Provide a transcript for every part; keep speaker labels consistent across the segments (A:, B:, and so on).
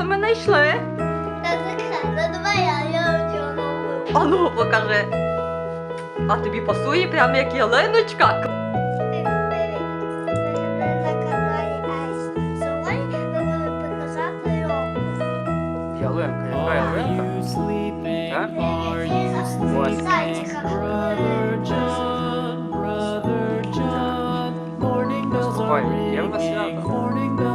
A: ми знайшли?
B: Ну давай я цього нову.
A: А ну, покажи. А тобі пасує прямо як ялиночка.
B: На каналі Айс. Сьогодні ми будемо показати його.
C: Ялинка, яка ялинка? Так?
B: Зайчика.
C: Ой, є в нас свято?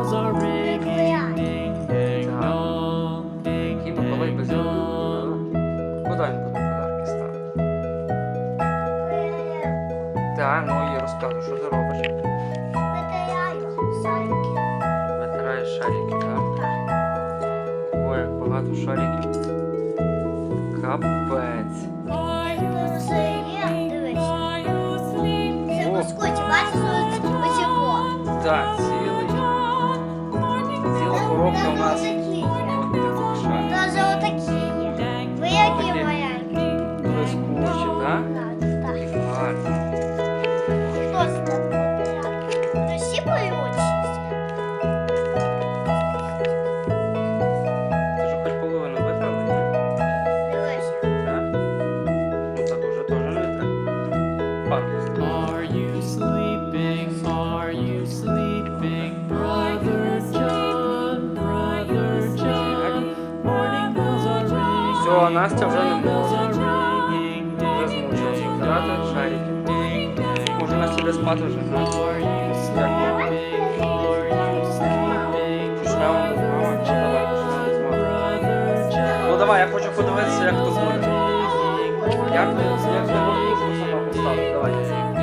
C: Який Миколай без ялинки? Куди він буде подарки ставити? Так, ну і розказуй, що ти робиш?
B: Витираю зайки.
C: Витираєш шарики, так? Ой, як багато шариків. Капець.
B: Дивись. Це скотч, бачиш, ось його.
C: Так, ціла коробка у нас.
B: Даже отакі є. Ви які маленькі.
C: Блискучі, так?
B: Так.
C: Гарно.
B: Хто з тебе витирає? Всі боються.
C: Ти ж хоч половину витрали, ні?
B: Дивися.
C: Так? Ну так уже теж не треба. Фарбу ставити.
D: Are you sleeping? Are you sleeping, brother John? Brother John. Morning bells are ringing.
C: Все, Настя вже не
D: Bells
C: може.
D: are ringing.
C: Вже змучилась витирати шарики. Може Настя буде спати вже, так?
D: Are you sleeping? Are you sleeping,
C: Почнемо? Давай, почнемо з мами.
D: brother John?
C: Ну давай, я хочу подивитися, як то буде. Як ти ложку сама поставити? Давай.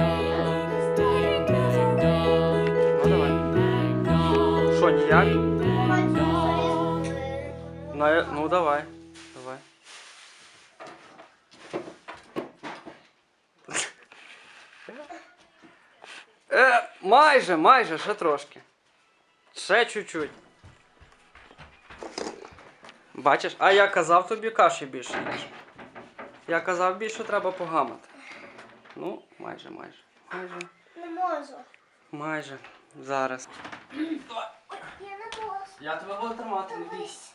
C: Ну давай. Що, ніяк? Ну давай. Давай. Майже, ще трошки. Ще чуть-чуть. Бачиш, а я казав тобі каші більше їж. Я казав більше треба погамати. Ну, майже.
B: Не можу.
C: Майже. Зараз.
B: Я не можу.
C: Я тебе буду тримати, не бійся.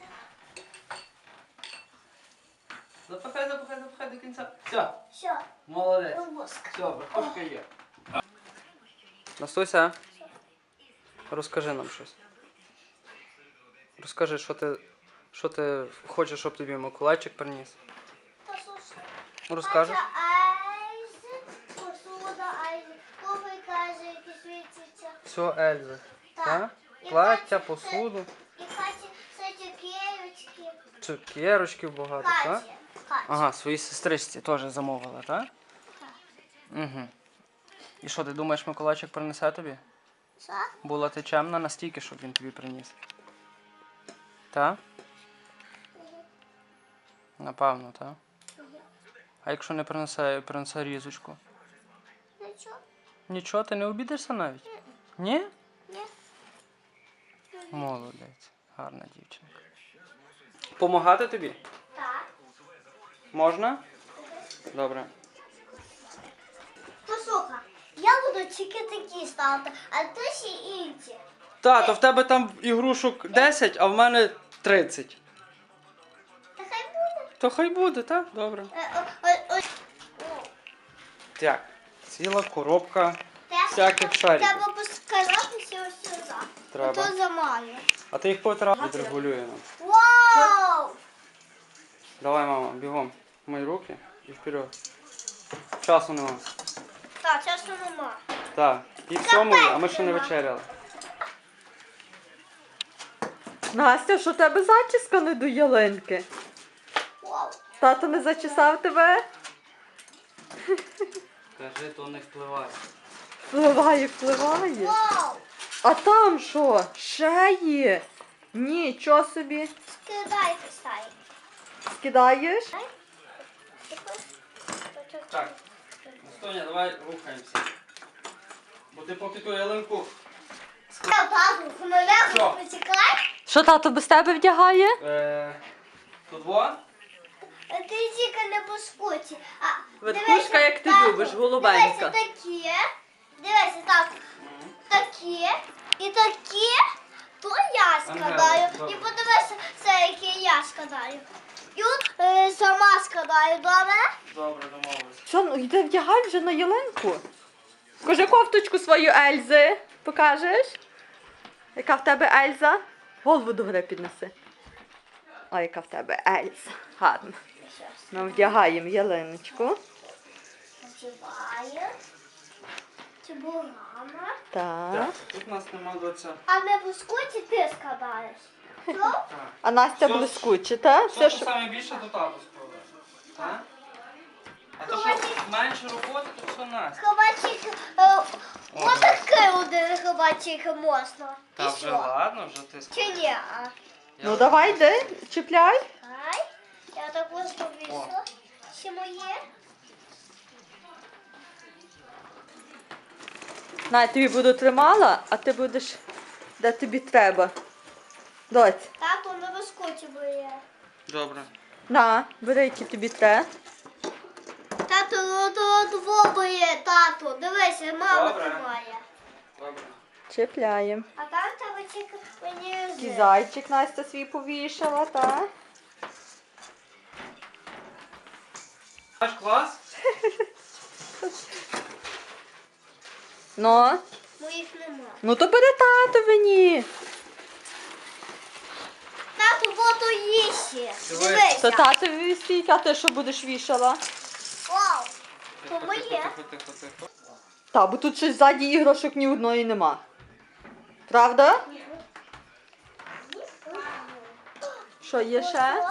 C: Запихай до кінця. Все,
B: Все,
C: молодець.
B: воск.
C: Все, верхушка є. Настуся, розкажи нам щось. Розкажи, що ти хочеш, щоб тобі Миколайчик приніс.
B: Послухай.
C: Розкажеш?
B: Айз, посуда, айз, купи, каже, які світяться.
C: Все, Ельза.
B: Так.
C: Так?
B: І
C: Плаття,
B: Каті,
C: посуду,
B: І Каті, це цукерочки.
C: цукерочків багато, так?
B: Каті.
C: Ага, своїй сестричці теж замовила, так? Угу. І що, ти думаєш, Миколайчик принесе тобі?
B: Що?
C: Була ти чемна настільки, щоб він тобі приніс? Так? Напевно, так? А якщо не принесе різочку?
B: Нічого.
C: Нічого, ти не обідишся навіть? Ні?
B: Ні.
C: Молодець. Гарна дівчинка. Помагати тобі?
B: Так.
C: Можна? Добре.
B: Послухай, я буду тільки такі ставити, а ти ще інші.
C: То в тебе там ігрушок 10, а в мене 30.
B: Та хай буде.
C: То хай буде, так? Добре. Так, ціла коробка всяких шариків.
B: Треба поскаратися ось сюди.
C: Треба.
B: То замалює.
C: А ти їх потра відрегулює нам.
B: Вау!
C: Давай, мама, бігом. Мої руки і вперед. Часу нема.
B: Так, часу нема.
C: Так, і в цьому, а ми ще не вечеряли.
A: Настя, що в тебе зачіска не до ялинки?
B: Вау!
A: Тато не зачесав тебе?
C: Кажи, то не впливає.
A: Впливає.
B: Вау!
A: А там що? Ще є? Нічого собі.
B: Скидайте стаї.
A: Скидаєш?
C: Так, Настоня, давай рухаємося. Бо ти поки ту ялинку...
B: Тату, хмеляку
C: Що?
B: потікай.
A: Що тато без тебе вдягає?
C: Тут во?
B: Ти тільки не по скуті.
A: Верхушка, як ти любиш, голубенька.
B: Дивися такі. Дивися, так. Такі. І такі. То я складаю.
C: Ага,
B: І подивися складаю. І от сама складаю, добре?
C: Добре, домовились.
A: Що, ну йди вдягай вже на ялинку. Покажи кофточку свою Ельзи. Покажеш? Яка в тебе Ельза? Голову до гори піднеси. Ой, яка в тебе Ельза. Гарно. Ми вдягаємо ялиночку.
B: Почуваю. Чебурама.
A: Так.
C: Тут у нас нема доця.
B: А не блискучі ти складаєш. Що?
A: А Настя
C: Все-
A: блискуче, так?
C: Все,
A: Все,
C: що
A: що...
C: саме більше, до тату складаєш. Так? А то, що менше роботи, то все Настя.
B: Хабачик, отакий один хабачик можна.
C: Та
B: І
C: вже
B: що?
C: ладно, вже ти
B: Чи ні?
A: Ну давай, йди, чіпляй.
B: Ай, я так ось повісила. Ще моє.
A: На, я тобі буду тримала, а ти будеш, де тобі треба. Доць,
B: Тато не блискучі бує.
C: Добре.
A: на, бери, які тобі треба.
B: Тато, двобоє, тато. Дивися, мама
C: Добре.
B: тримає.
C: Добре.
A: Чіпляємо.
B: А там тебе тільки мені
A: Такий зайчик Настя свій повішала, так?
C: Наш клас?
A: Ну,
B: Моїх нема.
A: ну то бери татовині.
B: Тато, воду їсти.
C: Дивись.
B: Дивися.
A: То татові стільки, а ти що будеш вішала?
B: Вау.
C: Тихо,
B: То моє.
C: тихо, тихо, тихо, тихо.
A: Та, бо тут щось ззаді іграшок ні одної нема. Правда? Що є ще?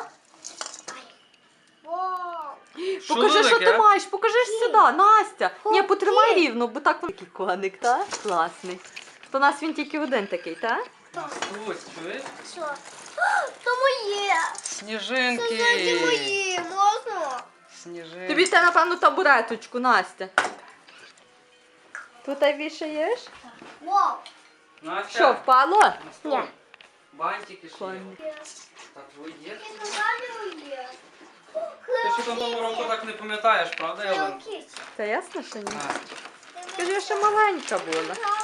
B: Вау.
A: Покажи, що ти
C: таке?
A: маєш, покажи ж сюди, Настя. Ні, потримай рівно, бо так такий коник, так? Класний. То у нас він тільки один такий, так?
C: Ось, чуєш?
B: Що? То моє. Це
C: Сніжинки.
B: мої. Можна?
C: Сніжинки.
A: Тобі те, напевно, табуреточку, Настя. Тут вішаєш?
B: Вау.
C: Настя.
A: Що, впало?
C: На стол.
B: Ні.
C: Бантики ще є.
A: Коник.
C: Так, твої є?
B: Я сказала моє.
C: Ти ще того року так не пам'ятаєш, правда, Ялин?
A: Це ясно, що ні?
C: А,
A: Скажи, я ще маленька була.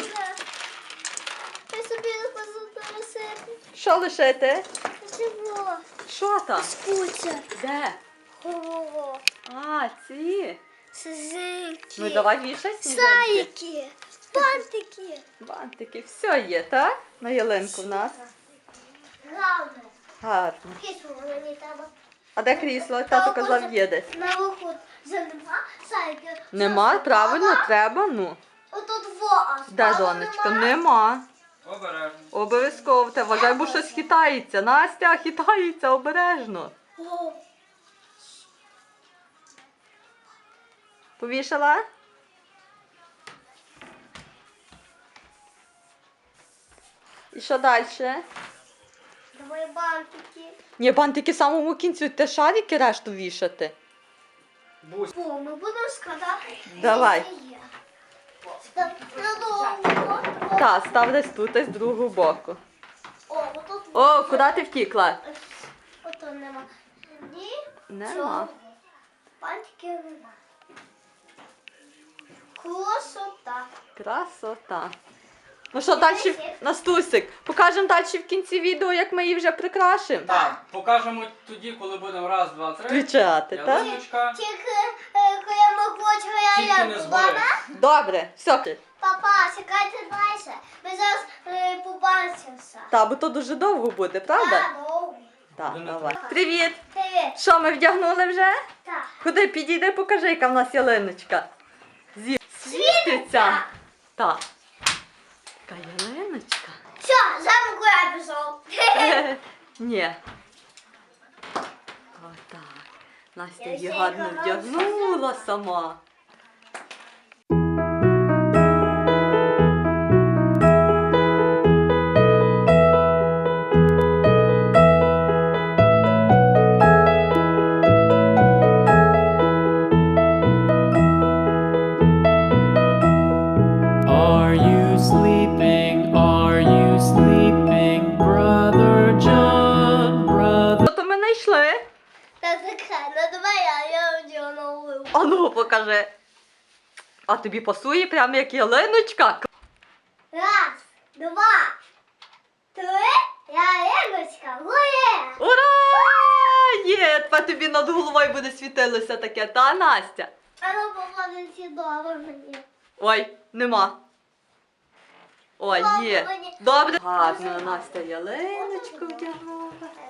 B: Я собі не носити.
A: Що лишити?
B: Чого?
A: Що там?
B: Куча.
A: Де?
B: Ого.
A: А, ці.
B: Сизинки.
A: Ну давай вішай сніжинки.
B: Сайки. Бантики.
A: Бантики, все є, так? На ялинку в нас.
B: Главне.
A: Гарно.
B: Кису мені треба.
A: А де крісло? Тато казав, є десь.
B: На виход нема сайки.
A: Нема, правильно, треба, ну.
B: Отут во, а
A: Де,
B: справа
A: донечка?
B: нема.
A: Нема.
C: обережно.
A: Обов'язково. Та вважай, бо щось хитається. Настя, хитається, обережно.
B: О,
A: Повішала? І що далі?
B: давай бантики.
A: Ні, бантики в самому кінці, те шарики решту вішати.
C: Бусь.
B: О, ми будемо складати.
A: Давай.
B: Надовго.
A: Так, став десь тут, десь з другого боку.
B: О, отут.
A: О, куди ти втікла?
B: Ото нема. Ні.
A: Нема.
B: Цього. Бантики нема. Красота.
A: Красота. Ну що, далі, Настусик, покажемо далі в кінці відео, як ми її вже прикрашимо.
C: Так, покажемо тоді, коли будемо раз, два, три.
A: Включати, так?
C: Ялиночка.
B: Тільки, коли ми хочемо
C: Тільки не
B: ялинку,
C: згори.
B: добре?
A: Добре, все.
B: Папа, чекайте далі. Ми зараз побачимося.
A: Та, бо то дуже довго буде, правда?
B: Так, добре.
A: Так,
C: Будемо
A: давай. Привіт!
B: Привіт.
A: Що, ми вдягнули вже?
B: Так.
A: Куди підійди, покажи, яка в нас ялиночка. Світиться. Так. Така ялиночка.
B: Все, замку я пішов.
A: Ні. Отак. Настя
B: Я
A: її
B: ще
A: гарно
B: й
A: вдягнула сама.
D: Are you sleeping? Are you sleeping, brother John? Brother.
A: Що то ми знайшли?
B: Та таке, ну давай я вдягну.
A: А ну, покажи. А тобі пасує прямо як ялиночка?
B: Раз, два, три, ялиночка, гоє.
A: Ура! тепер тобі над головою буде світилося таке, та, Настя?
B: А ну попаде сідова мені.
A: Ой, нема. Ой,
B: Добре,
A: є.
B: мені.
A: Добре. Гарно, Настя ялиночку вдягала.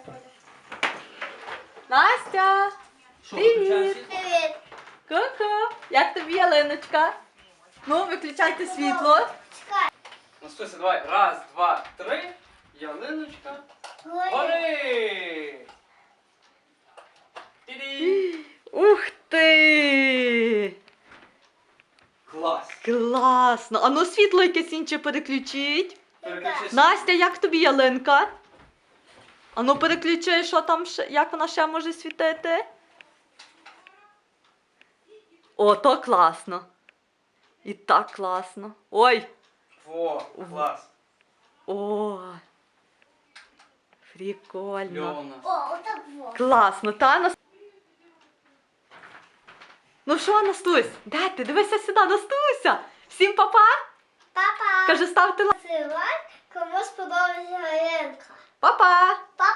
A: Настя!
C: Що,
A: Привіт.
C: виключаємо світло?
B: Привіт.
A: Ку-ку! Як тобі ялиночка? Ну, виключайте світло.
B: Чекай.
C: Настуся, давай. Раз, два, три. Ялиночка.
B: Гори.
C: Гори! Ті-ді!
A: Ух ти!
C: Клас!
A: Класно! А ну світло якесь інше переключіть.
C: Переключи
A: Настя, як тобі ялинка? А ну переключи, що там ще, як вона ще може світити? О, то класно. І так класно. Ой!
C: Во, клас.
A: О! Прикольно.
C: Льона.
B: О, отак вот.
A: Класно, та Нас... Ну що, Настусь? Де ти? Дивися сюди, Настуся! Всім па-па!
B: Папа.
A: Каже, ставте лайк.
B: Лайк, кому сподобалася Галинка.
A: Па-па!